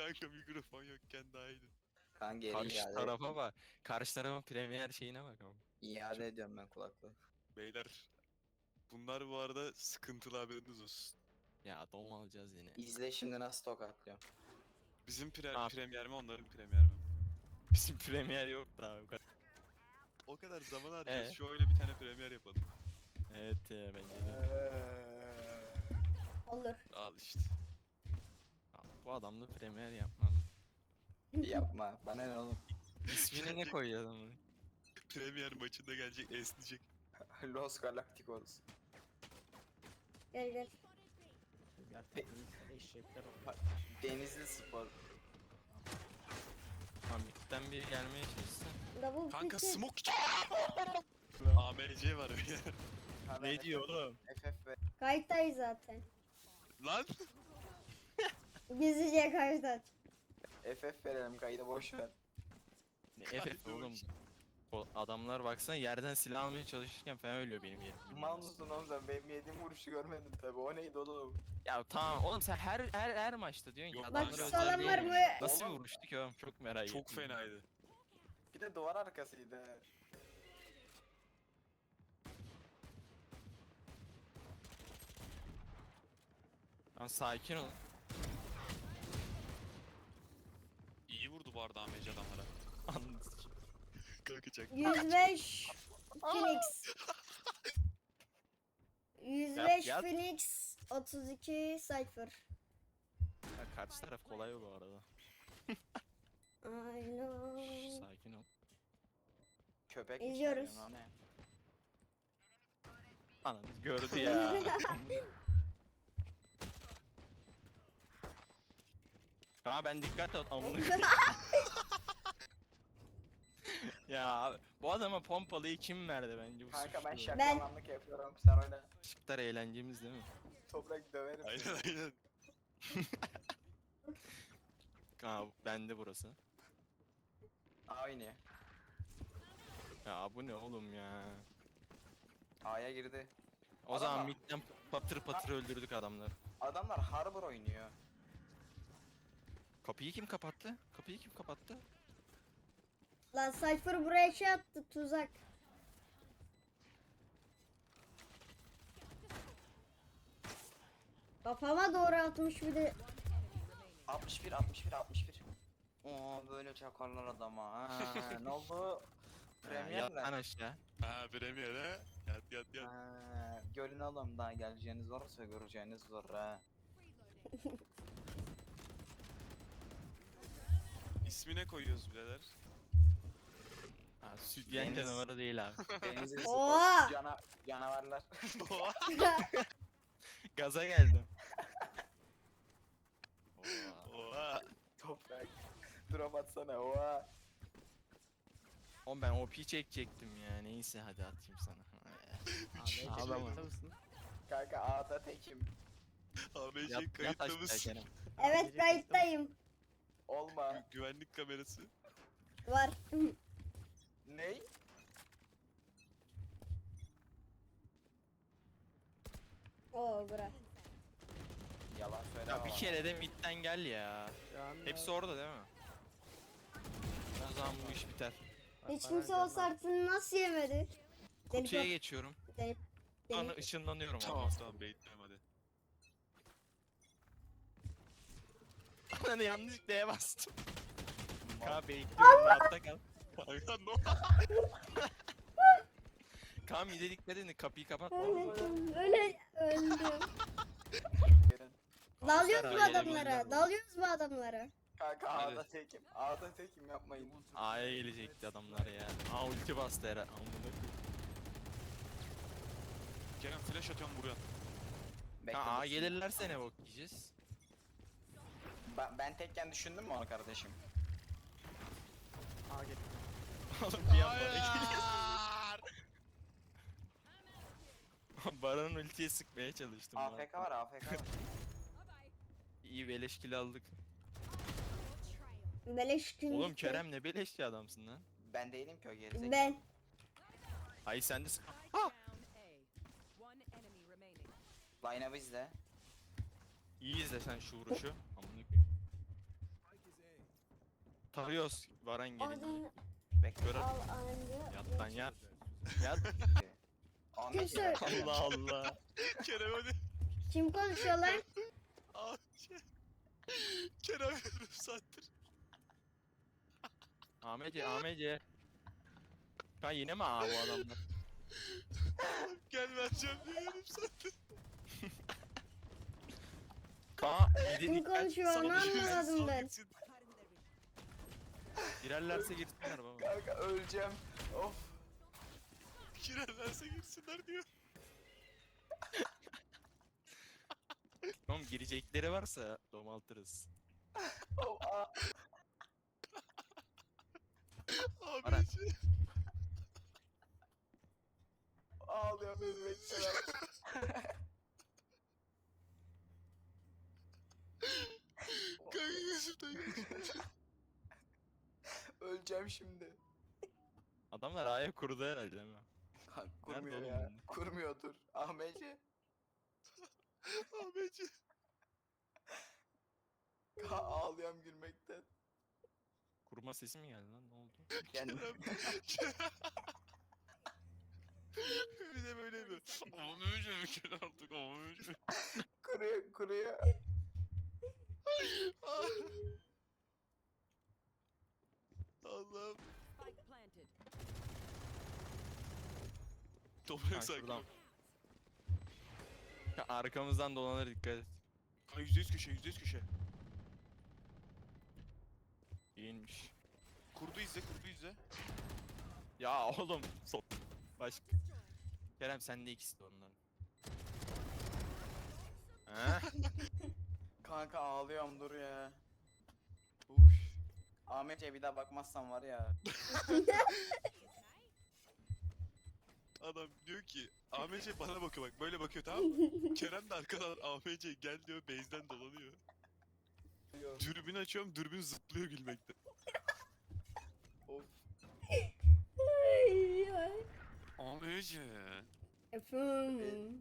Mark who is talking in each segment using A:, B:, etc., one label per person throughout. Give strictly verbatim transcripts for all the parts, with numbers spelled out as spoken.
A: Kanka mikrofon yokken daha iyiydi.
B: Kan geri
C: Karşı
B: iade,
C: tarafa bak. Karşı tarafın premier şeyine bak ama.
B: iade ediyorum ben kulaklığı.
A: Beyler. Bunlar bu arada sıkıntılı, haberiniz olsun.
C: Ya dom alacağız yine.
B: İzle şimdi nasıl tokatlıyorum.
A: Bizim pre
C: Abi.
A: premier mi, onların premier mi?
C: Bizim premier yok daha bu kadar.
A: O kadar zaman harcıyoruz.
C: Ee?
A: Şu oyuna bir tane premier yapalım.
C: Evet ya bence de.
D: Olur.
A: Al işte.
C: Abi, bu adamla premier yapmam.
B: Yapma. Bana ne oğlum?
C: İsmini ne koyuyor adamın?
A: Premier maçında gelecek, esneyecek.
B: Los Galacticos.
D: Gel gel.
E: Gerçekten eşekler oldu.
B: Denizli Spor.
C: Tamam midden biri gelmeye çalışsın.
D: Double
A: Kanka
D: pick'e-
A: smoke. A M C var ya.
C: Ne diyor oğlum?
B: F F ve
D: Kayıttayız zaten.
A: Lan.
D: Gizlice kayıt.
B: F F verelim kaydı boş ver.
C: Ne F oğlum? O adamlar baksana yerden silah almaya çalışırken falan ölüyor benim yerim.
B: Mal mısın oğlum sen? Benim yediğim vuruşu görmedin tabi. O neydi oğlum?
C: Ya tamam oğlum sen her her her maçta diyorsun ki
A: Yok,
C: adamlar
D: Bak
A: özel
D: sağlam
C: değil
D: var
C: mi?
D: mı?
C: Nasıl
B: Oğlum.
C: vuruştu ki oğlum çok merak ettim.
A: Çok fenaydı.
B: Bir de duvar arkasıydı.
C: Lan sakin ol.
A: İyi vurdu bu arada A M C adamlara.
C: Anladın.
A: Kanka çak.
D: yüz beş Phoenix. yüz beş
C: Yap, yap.
D: Phoenix. otuz iki Cypher.
C: Ya karşı taraf kolay bu arada.
D: I know.
C: Şş, sakin ol.
B: Köpek
D: İzliyoruz.
B: mi? Ne?
C: Ananı gördü ya. Ha ben dikkat et amına. Ya abi, bu adama pompalıyı kim verdi bence bu
B: Kanka ben
C: suçlu.
B: şakalanlık yapıyorum. Sen öyle
C: Şıklar eğlencemiz değil mi?
B: toprak döverim.
A: Aynen aynen.
C: Ha bende burası.
B: Aynı.
C: Ya bu ne oğlum ya?
B: A'ya girdi.
C: O
B: Adam
C: zaman
B: var.
C: midden patır patır öldürdük adamları.
B: Adamlar Harbor oynuyor.
C: Kapıyı kim kapattı? Kapıyı kim kapattı?
D: Lan Cypher buraya şey attı tuzak. Kafama doğru atmış bir de.
B: altmış bir altmış bir altmış bir. Oo böyle çakarlar adama. Ha, ne oldu?
C: Ha,
B: Premier
C: yat lan
B: mi?
C: aşağı.
A: Ha premier ha. Yat yat yat.
B: Ha, görün oğlum daha geleceğiniz varsa göreceğiniz zor ha.
A: İsmi ne koyuyoruz birader?
C: Ha, sütyen
B: Deniz.
C: canavarı değil abi.
B: Denizli
D: Oha!
B: Spor cana canavarlar.
C: Gaza geldim. Oha.
A: Oha.
B: Toprak. Drop atsana oha.
C: Oğlum ben O P çekecektim ya. Neyse hadi atayım sana.
E: Ahmet
C: Ağlama.
E: kayıtta mısın?
B: Kanka A'da tekim.
A: A M
C: Yat,
A: C
C: yat
A: kayıtta
C: aşağı
A: mısın?
C: Kerem.
D: Evet kayıttayım.
B: Olma.
A: Gü- güvenlik kamerası.
D: Var.
B: Ney?
D: Oo bura.
B: Yalan söyleme.
C: Ya bir
B: bana.
C: kere de midden gel ya.
E: Şu anda-
C: Hepsi orada değil mi? O zaman bu iş biter.
E: Bak,
D: Hiç
E: bana
D: kimse
E: canım
D: o sartını nasıl yemedi?
C: Kutuya
D: Deli-
C: geçiyorum.
D: Deli-
C: Sonra
D: deli-
C: ışınlanıyorum.
A: Tamam tamam bekliyorum hadi.
C: Ananı yanlışlıkla D'ye bastım. Kaan bekliyorum rahatta kal.
A: Kanka no.
C: Kaan mide dikkat edin kapıyı kapat.
D: Öldüm. Öyle öldüm.
B: Gelin.
D: Dalıyoruz bu
C: Kanser
D: adamlara.
C: aileler
D: Dalıyoruz bu adamlara.
B: Kanka
A: Hadi.
B: A'da tekim. A'da tekim yapmayın.
C: A'ya gelecekti adamlar ya. Aa ulti bastı herhalde. Amına koyayım.
A: Kerem flash atıyorum buraya.
B: Bekle,
C: Ha, A'ya
B: dur.
C: gelirlerse ne bok yiyeceğiz?
B: Ben, ben tekken düşündün mü onu kardeşim?
E: Aa, gel.
C: Oğlum bir anda geliyor. Baran'ın ultiye sıkmaya çalıştım.
B: A F K var A F K var.
C: İyi beleş kill aldık.
D: Beleş gün.
C: Oğlum Kerem ne beleşçi adamsın lan.
B: Ben değilim ki o gerizekalı.
D: Ben.
C: Hayır sen de sık.
B: Line'ı izle.
C: İyi izle sen şu vuruşu. Amına koyayım. Tarıyoruz. Baran gelince.
D: Adını
B: Bekle.
C: Görer.
D: al anca.
C: Yat lan yat. Yat.
B: Ahmet
D: Kimse-
B: ya.
C: Allah Allah.
A: Kerem hadi.
D: Kim konuşuyor lan?
A: Aa, şey. Kerem yarım saattir.
C: Ahmet'e Ahmet'e. Ha yine mi ağa bu adamlar?
A: Gel vereceğim diye yarım saattir.
C: Aa yedi
D: Kim
C: dikkat.
D: konuşuyor onu
C: Sana
A: Girsin,
D: anlamadım
A: sal
D: ben.
A: gitsin.
C: girerlerse girsinler baba.
B: Kanka öleceğim. Of.
A: Girerlerse girsinler diyor.
C: Oğlum girecekleri varsa domaltırız.
B: Of. Aa.
A: Abi
C: Aran.
A: şey.
B: Ağlıyorum benim bekçiler.
A: Kanka gözümden geçti.
B: Öleceğim şimdi.
C: Adamlar A'ya kurdu herhalde değil mi?
B: Kanka kurmuyor
C: oğlum
B: ya.
C: bunlar?
B: Kurmuyor dur. Ahmetci.
A: Ahmetci.
B: Ka ağlıyorum gülmekten.
C: Kurma sesi mi geldi lan ne oldu?
B: Kendim.
A: Kerem. Bir de böyle mi? Ahmetci mi Kerem artık Ahmetci.
B: kuruyor kuruyor.
A: Allah'ım.
F: Spike planted.
A: Toprak
C: Ha,
A: sakin
C: şuradan.
A: ol.
C: Ya, arkamızdan dolanır dikkat et.
A: Kanka yüzde yüz köşe yüzde yüz köşe.
C: İyiymiş.
A: Kurdu izle kurdu izle.
C: Ya oğlum sok. Başka. Kerem sende ikisi de onların. He?
B: Kanka ağlıyorum dur ya.
A: Uş.
B: Ahmet'e bir daha bakmazsan var ya.
A: Adam diyor ki Ahmetci bana bakıyor bak böyle bakıyor tamam mı? Kerem de arkadan Ahmetci gel diyor base'den dolanıyor. Dürbün açıyorum dürbün zıplıyor gülmekten.
B: Of.
D: Ay, ay.
A: Ahmetci.
D: Efendim.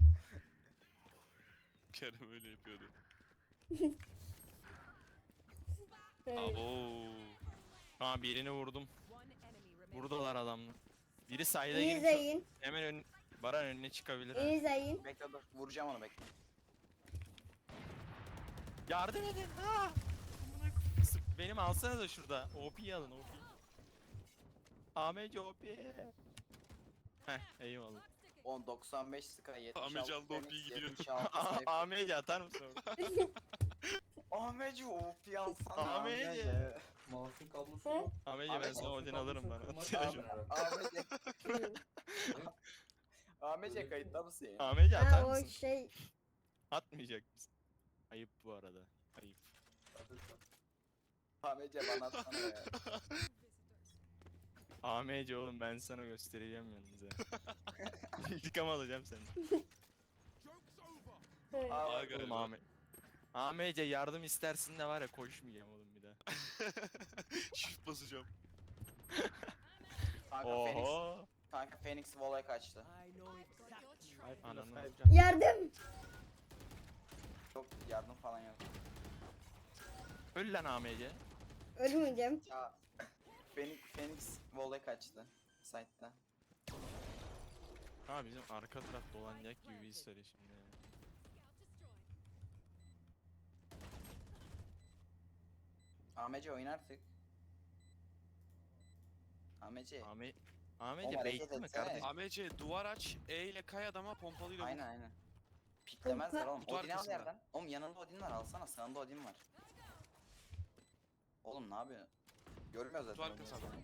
A: Kerem öyle yapıyordu.
D: Evet.
A: Abo.
C: Ha birini vurdum.
F: One enemy remaining.
C: Buradalar adamlar. Biri sayda
D: İyi
C: girmiş.
D: zayın.
C: Hemen ön, Baran önüne çıkabilir. ha.
D: İyi zayın.
B: Bekle dur. Vuracağım onu bekle.
C: Yardım edin. Ha! Benim alsanıza şurada. O P'yi alın O P'yi. Ahmetci O P. Heh eyvallah.
B: on doksan beş Sky yetmiş altı.
A: Ahmetci aldı, o
B: Phoenix,
A: P'yi gidiyor.
B: yetmiş altı Cypher.
C: Ahmetci atar mısın orada?
B: Ahmetci O P alsana.
C: Ahmetci.
G: Mouse'un kablosu
D: Hı?
G: yok.
C: Ahmetci ben
B: Ahmet,
C: sana Odin alırım bana.
B: Ahmetci. Ahmetci kayıtta mısın ya?
C: Ahmetci atar
D: Ha o
C: mısın?
D: şey.
C: Atmayacak mısın? Ayıp bu arada. Ayıp.
B: Ahmetci bana atsana ya.
C: Ahmetci oğlum ben sana göstereceğim yalnız ha. İntikam alacağım senden.
D: Evet.
B: Aa,
A: Aa,
B: bak,
C: Oğlum
A: galiba.
C: Ahmet. Ahmetce yardım istersin de var ya koşmayacağım oğlum bir daha.
A: Shift basacağım.
B: Kanka Phoenix.
C: Oho.
B: Kanka Phoenix voley kaçtı.
E: Five
C: Ananı.
E: plus five can.
D: Yardım.
B: Çok yardım falan yok.
C: Öl lan Ahmetce.
D: Ölmeyeceğim.
B: Ya Phoenix, Phoenix voley kaçtı. Site'da.
C: Ha bizim arka taraf dolanacak gibi bir hisleri şimdi.
B: Ahmetci oyun artık. Ahmetci.
C: Ahmet
B: Oğlum
C: Ahmetce
B: hareket
C: baitli mi
B: etsene.
C: kardeşim?
A: Ahmetci duvar aç E ile kay adama pompalıyla vur.
B: Aynen aynen. Piklemezler oğlum.
A: Kutu
B: Odin al
A: arkasında.
B: yerden. Oğlum yanında Odin var alsana. Sağında Odin var. Oğlum ne yapıyor? Görmüyor
A: Kutu
B: zaten.
A: arkası
B: Odin'i.
A: adam.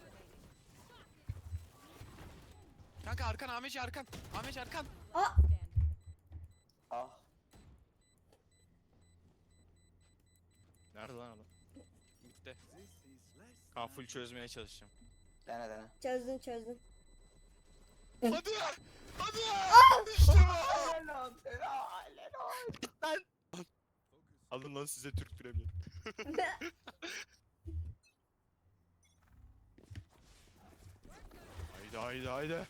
A: Kanka arkan Ahmetci arkan. Ahmetci arkan.
D: Aa.
B: Ah.
C: Nerede lan adam?
A: Bitti.
C: Ha full çözmeye çalışacağım.
B: Dene dene.
D: Çözdüm çözdüm.
A: Hadi! Hadi! İşte bu!
B: Helal helal helal.
C: Alın lan size Türk Premier. Haydi haydi haydi.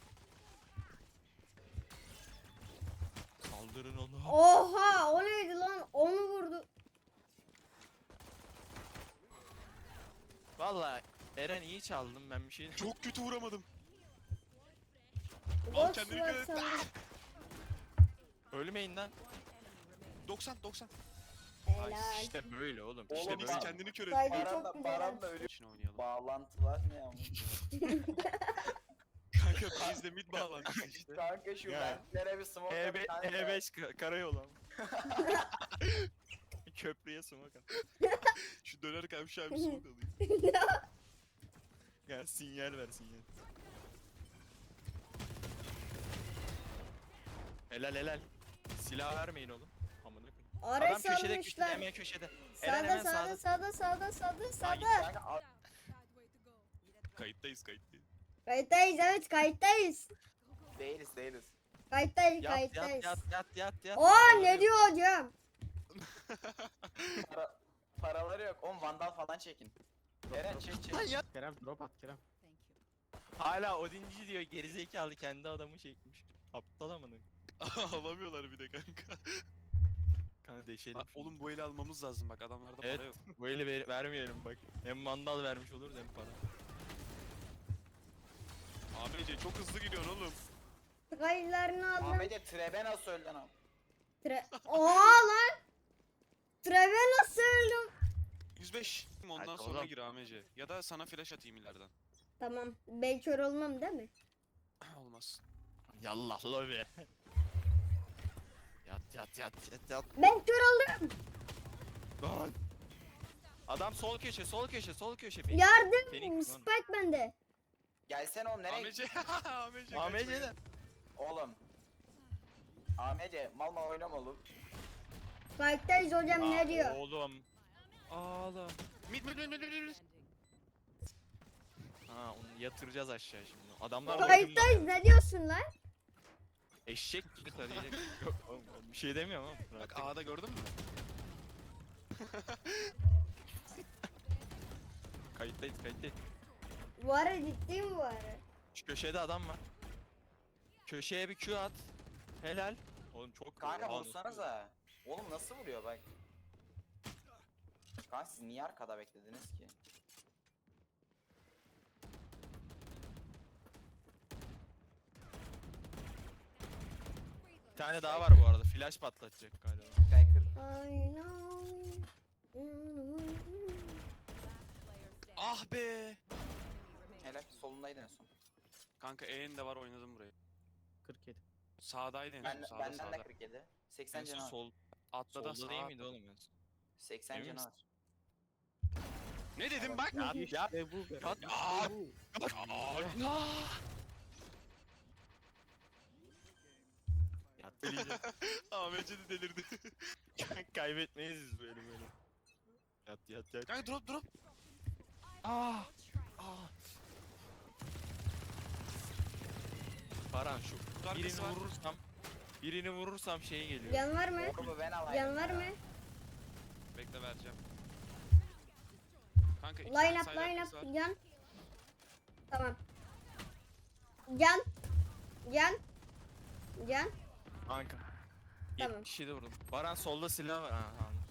C: Saldırın onu.
D: Oha o neydi lan? Onu vurdu.
C: Valla Eren iyi çaldın, ben bir şey...
A: Çok kötü vuramadım. Al
D: Boş
A: kendini
D: ver
A: dikkat et.
D: sandım.
C: Ölmeyin lan.
A: doksan doksan.
C: Ay
D: Helal.
C: işte böyle oğlum.
B: Oğlum
C: İşte
B: bak-
C: böyle.
A: Kendini kör et.
D: Saygı
B: Baran
D: çok
B: da,
D: güzel.
B: Baran da ölüyor.
A: İçine oynayalım.
B: Bağlantılar ne ama?
A: Kanka bizde mid bağlantısı işte.
B: Kanka şu
C: Ya.
B: ventlere bir smoke
C: E
B: at kanka.
C: beş ka- karayolu ama. Köprüye sumak at.
A: Şu döner kavşağı bir smoke alayım.
C: Ya sinyal ver sinyal. Helal helal. Silah vermeyin oğlum. Amına koyayım.
D: Ara
C: Adam köşede köşede
D: salmışlar.
C: hemen köşede. Eren
D: Sağda
C: hemen
D: sağda
C: sağda.
D: sağda sağda sağda
B: Ay,
D: sağda.
B: kanka, al-
A: Kayıttayız kayıttayız.
D: Kayıttayız evet kayıttayız.
B: değiliz değiliz.
D: Kayıttayız
C: Yat yat
D: kayıttayız.
C: yat yat yat yat.
D: Aa ne diyor hocam?
B: Para, paraları yok. Oğlum vandal falan çekin. Eren çek çek.
C: Lan ya.
G: Kerem drop at Kerem.
F: Thank you.
C: Hala Odinci diyor, gerizekalı kendi adamı çekmiş. Aptal amına.
A: Alamıyorlar bir de kanka.
C: Kanka deşelim.
A: Ha, oğlum bu eli almamız lazım bak adamlarda
C: Evet.
A: para yok.
C: Bu eli ver- vermeyelim bak. Hem mandal vermiş oluruz hem para.
A: A B C çok hızlı gidiyorsun oğlum.
D: Kayıtlarını aldım.
B: Ahmet'e trebe nasıl öldün abi?
D: Tre Oha lan. Treve nasıl öldüm?
A: yüz beş. Ondan
C: Hadi
A: sonra
C: oğlum.
A: gir A M C. Ya da sana flash atayım ileriden.
D: Tamam. Ben kör olmam değil mi?
A: Olmaz.
C: Yallah lobi. Yat yat yat yat yat.
D: Ben kör oldum.
C: Lan. Adam sol köşe sol köşe sol köşe.
D: Yardım.
C: Phoenix lan.
D: Spike bende.
B: Gelsene oğlum nereye?
A: A M C. A M C.
C: A M C'de.
B: Oğlum. Ahmet'e mal mal oynama oğlum.
D: Spike'dayız hocam ne diyor?
C: Oğlum. Oğlum.
A: Mid mid mid mid mid mid.
C: Ha onu yatıracağız aşağı şimdi. Adamlar
D: Kayıttayız ne diyorsun lan?
C: Eşek gibi tarayacak. Yok oğlum bir şey demiyorum ama.
A: Bak A'da gördün mü?
C: Kayıttayız kayıttayız.
D: Bu ara ciddi mi bu ara?
C: Şu köşede adam var. Köşeye bir Q at. Helal. Oğlum çok
B: Kanka
C: Oha,
B: vursanıza. Oğlum nasıl vuruyor bak. Kanka siz niye arkada beklediniz ki?
C: Bir tane daha var bu arada. Flash patlatacak galiba.
B: Sky kır.
D: I know.
A: Ah be.
B: Helal solundaydı en son.
A: Kanka E'nin de var oynadım burayı.
G: kırk yedi.
A: Sağdaydı en
B: Ben,
A: son sağda
B: benden de
A: sağda.
B: kırk yedi.
A: En
B: seksen
A: son
B: canı var.
A: sol. Atla da
C: Solda
A: sağa
C: değil miydi
A: atla.
C: oğlum en son?
B: seksen
C: Emin
B: canı
C: misin?
B: var.
A: Ne dedim bak.
C: Ya ya
G: İşte bu be.
C: Kat-
G: İşte
A: Aa!
G: bu.
C: ya deliyeceğim.
A: A M C de delirdi.
C: Kaybetmeyiz biz böyle böyle. Yat yat yat.
A: Kanka drop drop.
C: Ah! Ah! Baran şu
A: Kutu arkası
C: birini
A: var.
C: vurursam birini vurursam şey geliyor.
D: Yan var mı?
B: Orbu ben alayım.
D: Yan var mı?
A: Bekle vereceğim. Kanka iki
D: Line
A: tane
D: up
A: side
D: line
A: arkası
D: up.
A: var.
D: Yan. Tamam. Yan. Yan. Yan.
C: Kanka.
D: Tamam.
C: yetmiş yedi vurdum. Baran solda silah var. Ha, tamam.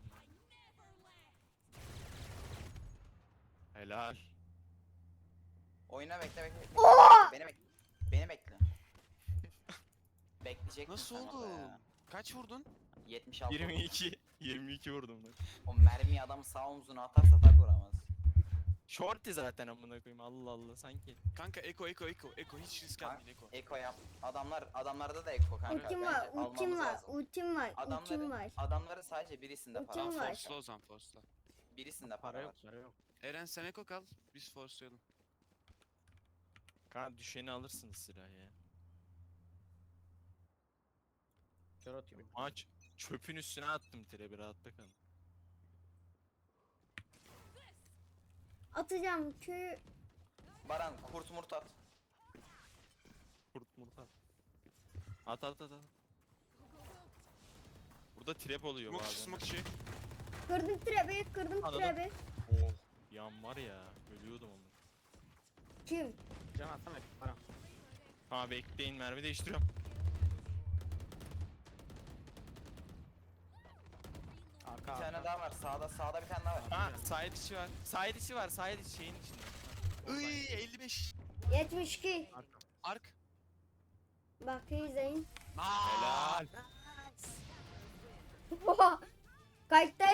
C: Helal.
B: Oyna bekle bekle. bekle.
D: Oo!
B: Beni bekle. Beni bekle. Bekleyecek
A: Nasıl
B: misin orada
A: oldu?
B: ya?
A: Kaç vurdun?
B: yetmiş altı.
C: yirmi iki yirmi iki vurdum ben.
B: O mermiyi adam sağ omzuna atarsa tak vuramaz.
C: Shorty zaten amına koyayım. Allah Allah sanki.
A: Kanka Eko Eko Eko Eko hiç risk
B: Kanka,
A: atmayın Eko.
B: Eko yap. Adamlar adamlarda da Eko kanka.
D: Ultim
B: Bence
D: var, ultim
B: almamız
D: var,
B: lazım.
D: ultim var, ultim
B: Adamların,
D: var.
B: adamların sadece birisinde para
D: Ultim
B: var.
D: var.
A: Forsla o zaman forsla.
B: Birisinde
G: Para
B: para
G: yok
B: var.
G: para yok.
A: Eren sen Eko kal. Biz forslayalım.
C: Kanka düşeni alırsınız silahı ya.
G: Kör atıyorum.
C: Maç çöpün üstüne attım tire bir rahatla kalın.
D: Atacağım köyü.
B: Baran kurt murt at.
C: Kurt murt at. At at at at. Burada trap oluyor
A: Smoke
C: bazen.
A: smoke şey.
D: Kırdım trebi, kırdım
C: Anladım.
D: trebi.
C: Oh yan var ya ölüyordum onu.
D: Kim?
G: Can atsana para.
C: Ha bekleyin mermi değiştiriyorum.
G: Arka
B: Bir tane daha var. Sağda sağda bir tane daha var.
C: Ha side içi var. Side içi var. Side içi şeyin içinde. Ha,
A: Iy
C: oradayım.
A: elli beş.
D: yetmiş iki.
G: Arka.
A: Ark.
D: Bak iyi izleyin.
A: Helal.
D: Oha. Kayıttayım.